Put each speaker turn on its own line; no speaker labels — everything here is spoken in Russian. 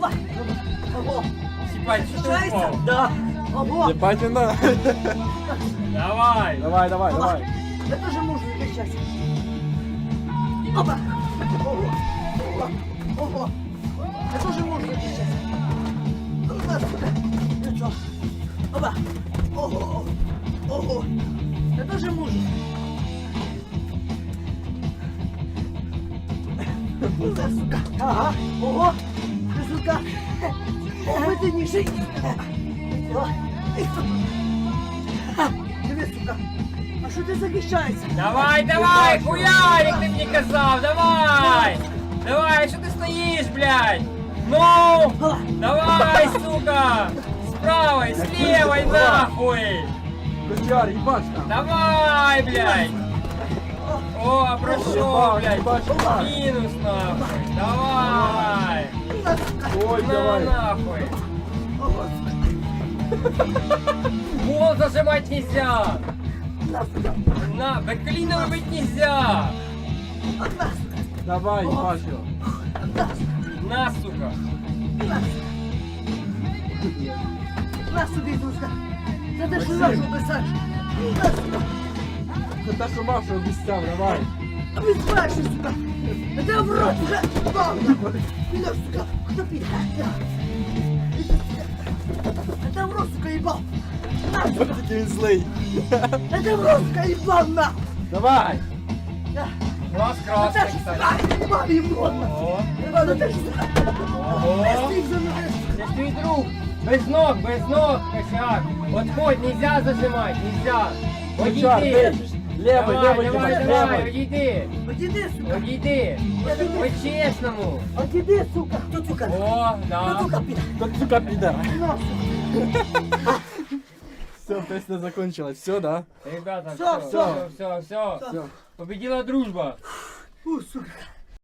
Опа. Ого.
Сипать, что ты
Шайся.
упал?
Да. Ого.
Ебать він на.
Давай.
Давай, давай, давай.
Я тоже мужу сейчас. Опа. Ого. Ого. Ого. Я тоже мужу сейчас. Ну что? Опа. Ого. Ого. Я тоже мужу. Да, сука. Ага. Ого. Ты, сука. Ого, ты не жить. Диви, сука. А що ти захищаєшся?
Давай, давай, хуярик, ты мне казав, давай. Давай, что ты стоишь, блядь? Ну, давай, сука. С правой, с левой, нахуй.
Костяр, їбаш там.
Давай, блядь. О, прошел, блядь. Минус, нахуй. Давай.
Ой,
На,
давай.
нахуй. Гол зажимать нельзя. На, бэклином быть нельзя.
Давай, їбаш його.
На, сука.
На собі, Дуска. Це ти ж нашу писаєш. На, сука.
Це те, що Маша обіцяв, давай.
А ви знаєш, сука. А ти в рот вже. Підеш, сука. Хто піде? А ти в рот, сука, їбав. На, сука.
Такий він злий.
А ти в рот, сука, їбав, на.
Давай.
Класс
А
красный,
ти ж,
кстати.
сука, їбав, їбав, на.
О,
А ти ж, сука.
ого.
Стій за мною, сука.
Ты твой друг. Без ног, косяк. Отходь, нельзя зажимать, нельзя.
Костяр,
Одійди.
ти. Левий,
Давай,
левий,
давай,
їбаш,
давай,
левий.
одійди.
Одійди, сука.
Одійди. По-чесному.
Одійди, сука. Хто, сука?
О,
Хто,
да.
сука, піде?
Тут, сука, піде.
На, сука.
Все, песня закончилась. Все, да?
Ребята,
Всё,
все.
всё.
Победила дружба.
Фу, сука.